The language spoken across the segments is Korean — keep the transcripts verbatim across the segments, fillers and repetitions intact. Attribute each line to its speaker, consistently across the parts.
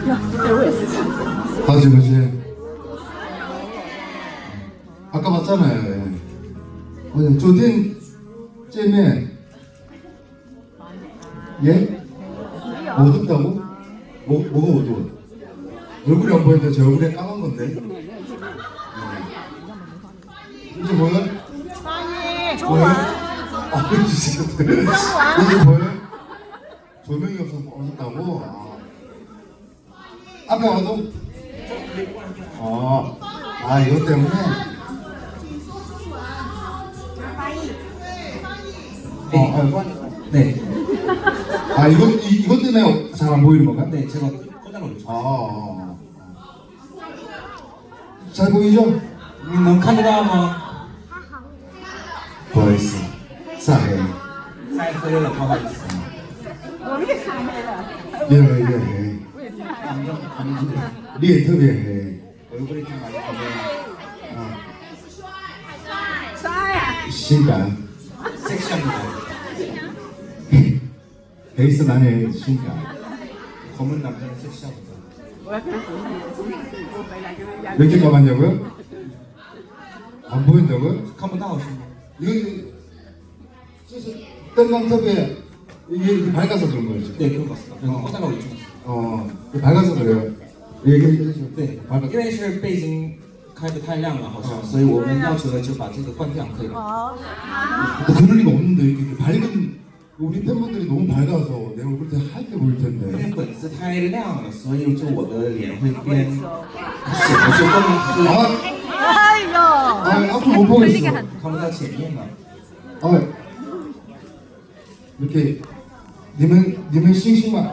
Speaker 1: 다시 보세요. 아까 봤잖아요. 예.昨天见面 예? 어둡다고? 뭐, 뭐가 어두워? 얼굴이 안 보이는데 제 얼굴에 까만 건데? 네. 이제 뭐야? 뭐야? 아, 진짜. 이제 뭐야? 조명이 없어서 어둡다고? 아. 앞에 와도? 아, 아, 이것 때문에? 어, 아,
Speaker 2: 네,
Speaker 1: 아, 이것, 이, 이것 때문에 잘 안 보이는 건가?
Speaker 2: 네, 제가 꽂아놓죠.
Speaker 1: 아, 아, 아. 잘 보이죠?
Speaker 2: 你能看得到吗？
Speaker 1: 보이스. 사해.
Speaker 2: 晒黑了，不好意思。
Speaker 1: 미안해, 미안해.
Speaker 2: 감정, 감정.
Speaker 1: 리에特别해.
Speaker 2: 얼굴이 좀 많이 보면
Speaker 1: 아. 신간.
Speaker 2: 섹시합니다.
Speaker 1: 베이스 안에 신간.
Speaker 2: 검은 남자는 섹시합니다.
Speaker 1: 몇 개 감았냐고요? 안 보인다고요?
Speaker 2: 看不到是吗？
Speaker 1: 이거, 뜬광탑에 이게 이렇게 밝아서 그런 거죠?
Speaker 2: 네, 그런 것 같습니다. 그래서 꽂아놓고 있죠.
Speaker 1: 어, 밝아서 그래요. 얘기해 주세요.
Speaker 2: 对，因为是背景开的太亮了，好像，所以我们要求的就把这个关掉，可以吗？
Speaker 1: 뭐 그럴 리가 없는데 이렇게 밝은 우리 팬분들이 너무 밝아서 내 얼굴 때 하얗게 보일
Speaker 2: 因为
Speaker 1: 텐데.
Speaker 2: 粉丝太亮了，所以就我的脸会变，显得就更黑，
Speaker 1: 아, 아, 앞으로 못 보겠어.
Speaker 2: 看不到前面了。
Speaker 1: 아, 이렇게 니们니们 싱싱만.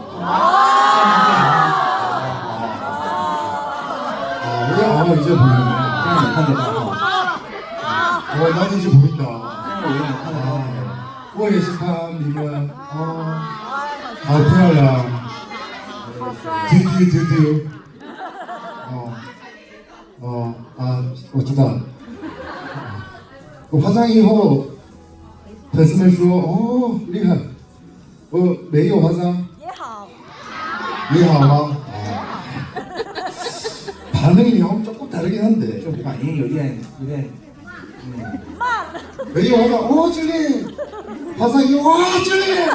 Speaker 1: 아, 이제 아 이제
Speaker 2: 这
Speaker 1: 보이네.
Speaker 2: 样你看得到哈？
Speaker 1: 어, 난 이제 보인다.
Speaker 2: 这样我有点看得到。
Speaker 1: 我也是看你们哦，好漂亮，丢丢丢丢，哦哦啊，我知道。我化妆以后，粉丝们说哦厉害，我没有化妆
Speaker 3: 也好，
Speaker 1: 也好吗？啊， 반응이 형 조금 다르긴 한데
Speaker 2: 就反应有点有点，嗯，
Speaker 1: 没有化妆，哦这里，化妆以后哇这里。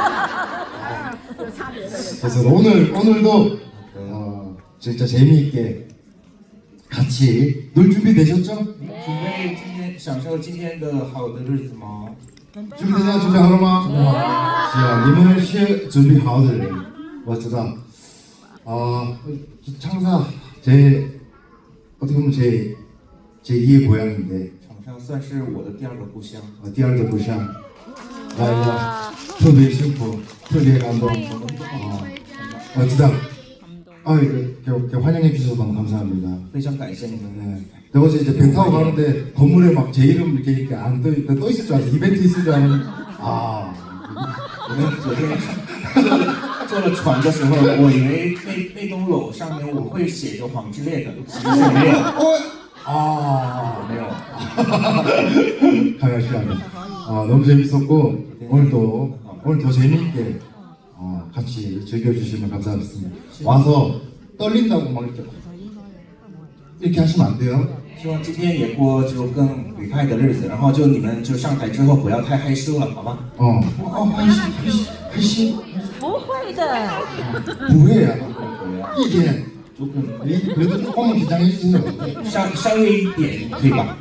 Speaker 1: 그래서 오늘 오늘도 어, 진짜 재미있게 같이 놀 준비 되셨죠?
Speaker 2: 准备今天享受今天的好的日子吗？
Speaker 1: 준비되냐 준비하러 마. 자, 님은 시 준비하들. 멋지다. 어, 창사 제 어떻게 보면 제 제 이의 고향인데
Speaker 2: 长沙算是我的第二个故乡。
Speaker 1: 어, 第二个故乡. 나特别幸福，特别感动. 어, 멋지다. 아, 이렇게, 이렇게 환영해 주셔서 너무 감사합니다.
Speaker 2: 非常感谢你们。
Speaker 1: 네. 내가 어제 이제 배 타고 가는데 건물에 막 제 이름 이렇게 이렇게 안 떠, 떠 있을 줄 알았어. 이벤트 있을 줄 알았는데 아.
Speaker 2: 我们昨天坐了船的时候，我以为那那栋楼上面我会写着黄致列的，其实没有，
Speaker 1: 어? 아.
Speaker 2: 没有。
Speaker 1: 강아시하네. 아, 너무 재밌었고 오늘도 오늘 더 재미있게 어, 같이 즐겨주시면 감사하겠습니다. 와서 떨린다고 막 이렇게 이렇게 하시면 안 돼요.
Speaker 2: 希望今天也过就更愉快的日子，然后就你们就上台之后不要太害羞了，好吧？
Speaker 1: 어, 어, 하이시, 하이시, 하이시,
Speaker 3: 不会的，
Speaker 1: 뭐해야
Speaker 2: 对呀，
Speaker 1: 이게
Speaker 2: 就更
Speaker 1: 이- 그래도 조금만 긴장해 주세요.
Speaker 2: 稍稍微一点，可以吧？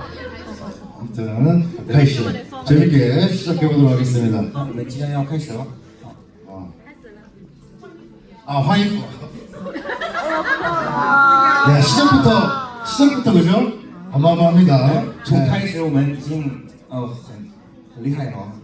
Speaker 1: 아무튼 하이시 재밌게 시작해 보도록 하겠습니다.
Speaker 2: 那我们即将要开始了。
Speaker 1: 어. 아, 화이프. 야, 시작부터 시작부터 그죠? 어마어마합니다.
Speaker 2: 从
Speaker 1: 네.
Speaker 2: 开始我们已经呃很很厉害了。